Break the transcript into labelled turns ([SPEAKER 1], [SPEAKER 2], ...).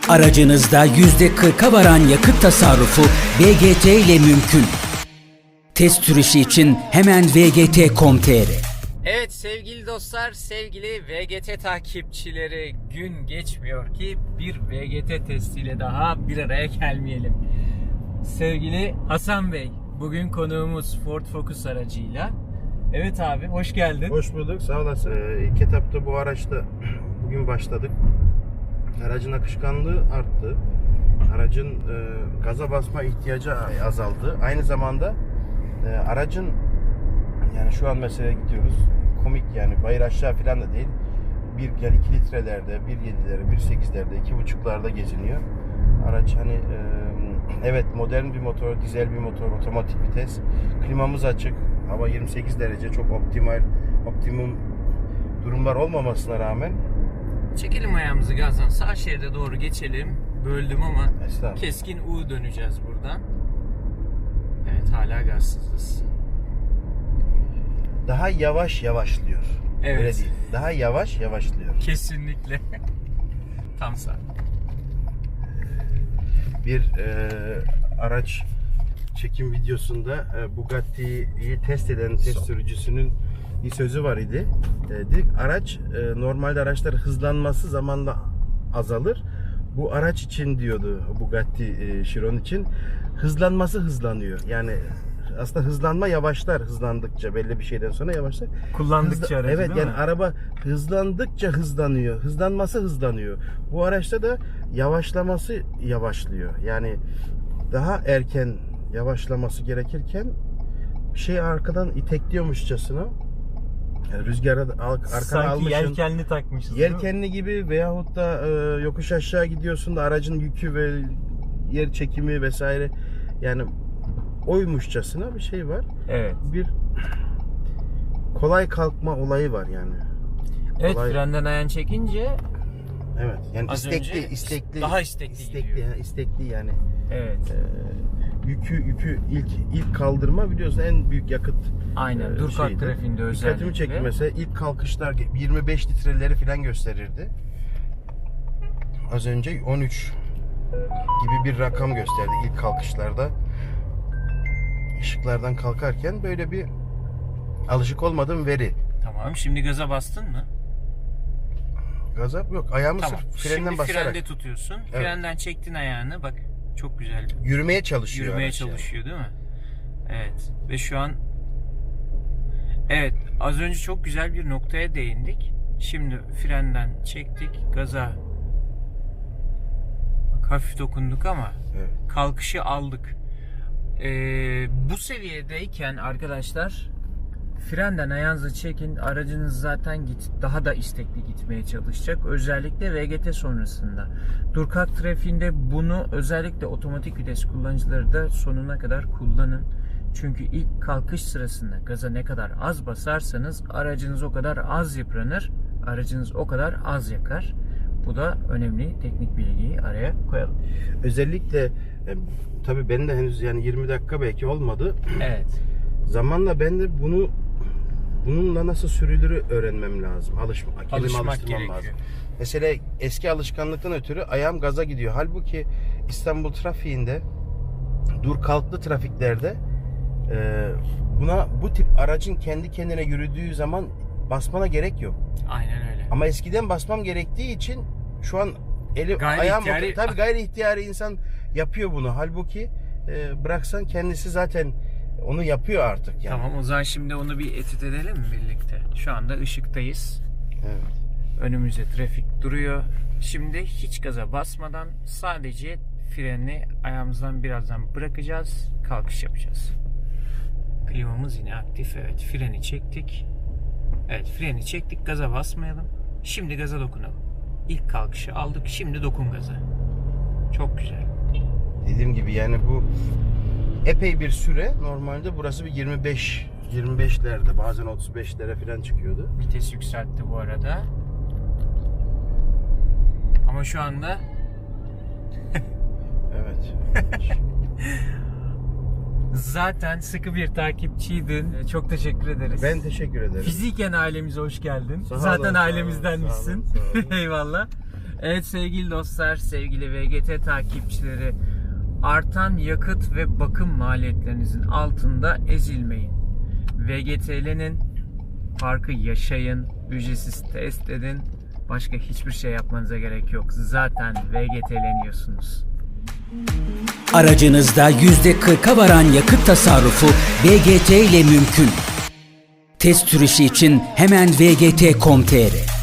[SPEAKER 1] Aracınızda %40'a varan yakıt tasarrufu VGT ile mümkün. Test sürüşü için hemen vgt.com.tr.
[SPEAKER 2] Evet sevgili dostlar, sevgili VGT takipçileri, gün geçmiyor ki bir VGT testiyle daha bir araya gelmeyelim. Sevgili Hasan Bey, bugün konuğumuz Ford Focus aracıyla. Evet abi, hoş geldin.
[SPEAKER 3] Hoş bulduk, sağ olasın. İlk etapta bu araçta bugün başladık. Aracın akışkanlığı arttı. Aracın gaza basma ihtiyacı azaldı. Aynı zamanda aracın, yani şu an mesela gidiyoruz, komik yani bayır aşağı falan da değil. 2 litrelerde, 1.7'lere, 1.8'lerde, 2.5'larda geziniyor. Araç hani evet modern bir motor, dizel bir motor, otomatik vites. Klimamız açık. Hava 28 derece, çok optimum durumlar olmamasına rağmen.
[SPEAKER 2] Çekelim ayağımızı gazdan, sağ şeride doğru geçelim. Böldüm ama keskin U döneceğiz buradan. Evet, hala gazsızız.
[SPEAKER 3] Daha yavaş yavaşlıyor.
[SPEAKER 2] Evet.
[SPEAKER 3] Öyle değil. Daha yavaş yavaşlıyor.
[SPEAKER 2] Kesinlikle. Tam sağ.
[SPEAKER 3] Bir araç çekim videosunda Bugatti'yi test eden test sürücüsünün bir sözü var idi. Dedik araç normalde araçlar hızlanması zamanla azalır. Bu araç için diyordu Bugatti Chiron için hızlanması hızlanıyor. Yani aslında hızlanma yavaşlar, hızlandıkça belli bir şeyden sonra yavaşlar.
[SPEAKER 2] Kullandıkça aracı,
[SPEAKER 3] evet,
[SPEAKER 2] değil
[SPEAKER 3] yani
[SPEAKER 2] mi?
[SPEAKER 3] araba hızlandıkça hızlanıyor. Hızlanması hızlanıyor. Bu araçta da yavaşlaması yavaşlıyor. Yani daha erken yavaşlaması gerekirken bir şey arkadan itekliyormuşçasına, yani rüzgara arkana
[SPEAKER 2] Sanki
[SPEAKER 3] almışsın.
[SPEAKER 2] yelkenli takmışız.
[SPEAKER 3] Yelkenli gibi veyahut da yokuş aşağı gidiyorsun da aracın yükü ve yer çekimi vesaire, yani oymuşçasına bir şey var.
[SPEAKER 2] Evet.
[SPEAKER 3] Bir kolay kalkma olayı var yani.
[SPEAKER 2] Evet,
[SPEAKER 3] Kolay.
[SPEAKER 2] frenden ayağını çekince
[SPEAKER 3] Evet. Yani
[SPEAKER 2] az önce
[SPEAKER 3] istekli.
[SPEAKER 2] daha istekli gidiyor.
[SPEAKER 3] yani istekli yani.
[SPEAKER 2] evet.
[SPEAKER 3] Yükü ilk kaldırma biliyorsun en büyük yakıt.
[SPEAKER 2] Aynen. Dur kalk
[SPEAKER 3] şeydi.
[SPEAKER 2] trafiğinde özellikle.
[SPEAKER 3] Dikkatimi çekti mesela, ilk kalkışlar 25 litreleri falan gösterirdi. Az önce 13 gibi bir rakam gösterdi ilk kalkışlarda. Işıklardan kalkarken böyle bir alışık olmadığım veri.
[SPEAKER 2] Tamam. Şimdi gaza bastın mı?
[SPEAKER 3] Gaza yok. Ayağımı
[SPEAKER 2] Tamam.
[SPEAKER 3] sırf frenden
[SPEAKER 2] Şimdi
[SPEAKER 3] basarak.
[SPEAKER 2] frende tutuyorsun. Frenden çektin ayağını. Bak çok güzel.
[SPEAKER 3] Yürümeye çalışıyor.
[SPEAKER 2] Yürümeye
[SPEAKER 3] araç
[SPEAKER 2] çalışıyor değil mi? Evet. Ve şu an evet, az önce çok güzel bir noktaya değindik. Şimdi frenden çektik. Gaza bak, hafif dokunduk ama
[SPEAKER 3] Evet.
[SPEAKER 2] kalkışı aldık. Bu seviyedeyken arkadaşlar frenden ayağınızı çekin, aracınız zaten daha da istekli gitmeye çalışacak. Özellikle VGT sonrasında. Dur kalk trafiğinde bunu özellikle otomatik vites kullanıcıları da sonuna kadar kullanın. Çünkü ilk kalkış sırasında gaza ne kadar az basarsanız aracınız o kadar az yıpranır, aracınız o kadar az yakar. Bu da önemli teknik bilgiyi araya koyalım.
[SPEAKER 3] Özellikle tabii ben de henüz yani 20 dakika belki olmadı.
[SPEAKER 2] Evet.
[SPEAKER 3] Zamanla ben de bununla nasıl sürülürü öğrenmem lazım. Kendimi
[SPEAKER 2] Alışmak
[SPEAKER 3] alıştırmam
[SPEAKER 2] gerekiyor.
[SPEAKER 3] lazım. Mesela eski alışkanlıktan ötürü ayağım gaza gidiyor. Halbuki İstanbul trafiğinde, dur kalklı trafiklerde bu tip aracın kendi kendine yürüdüğü zaman basmana gerek yok.
[SPEAKER 2] Aynen öyle.
[SPEAKER 3] Ama eskiden basmam gerektiği için şu an
[SPEAKER 2] Gayri
[SPEAKER 3] tabii gayri ihtiyari insan yapıyor bunu. Halbuki bıraksan kendisi zaten onu yapıyor artık yani.
[SPEAKER 2] Tamam, o zaman şimdi onu bir etüt edelim mi birlikte? Şu anda ışıktayız.
[SPEAKER 3] Evet.
[SPEAKER 2] Önümüzde trafik duruyor. Şimdi hiç gaza basmadan sadece freni ayağımızdan birazdan bırakacağız. Kalkış yapacağız. Klimamız yine aktif. Evet, freni çektik. Evet, freni çektik. Gaza basmayalım. Şimdi gaza dokunalım. İlk kalkışı aldık. Şimdi dokun gaza. Çok güzel.
[SPEAKER 3] Dediğim gibi yani bu epey bir süre. Normalde burası bir 25'lerde, bazen 35'lere falan çıkıyordu.
[SPEAKER 2] Vites yükseltti bu arada. Ama şu anda
[SPEAKER 3] Evet.
[SPEAKER 2] zaten sıkı bir takipçiydin. Çok teşekkür ederiz.
[SPEAKER 3] Ben teşekkür ederim.
[SPEAKER 2] Fiziken ailemize hoş geldin.
[SPEAKER 3] Sağ olun,
[SPEAKER 2] Zaten
[SPEAKER 3] sağ olun,
[SPEAKER 2] ailemizdenmişsin.
[SPEAKER 3] sağ olun, sağ olun.
[SPEAKER 2] Eyvallah. Evet sevgili dostlar, sevgili VGT takipçileri, artan yakıt ve bakım maliyetlerinizin altında ezilmeyin. VGT'nin farkı yaşayın, ücretsiz test edin. Başka hiçbir şey yapmanıza gerek yok. Zaten VGT'leniyorsunuz.
[SPEAKER 1] Aracınızda %40'a varan yakıt tasarrufu VGT ile mümkün. Test sürüşü için hemen vgt.com.tr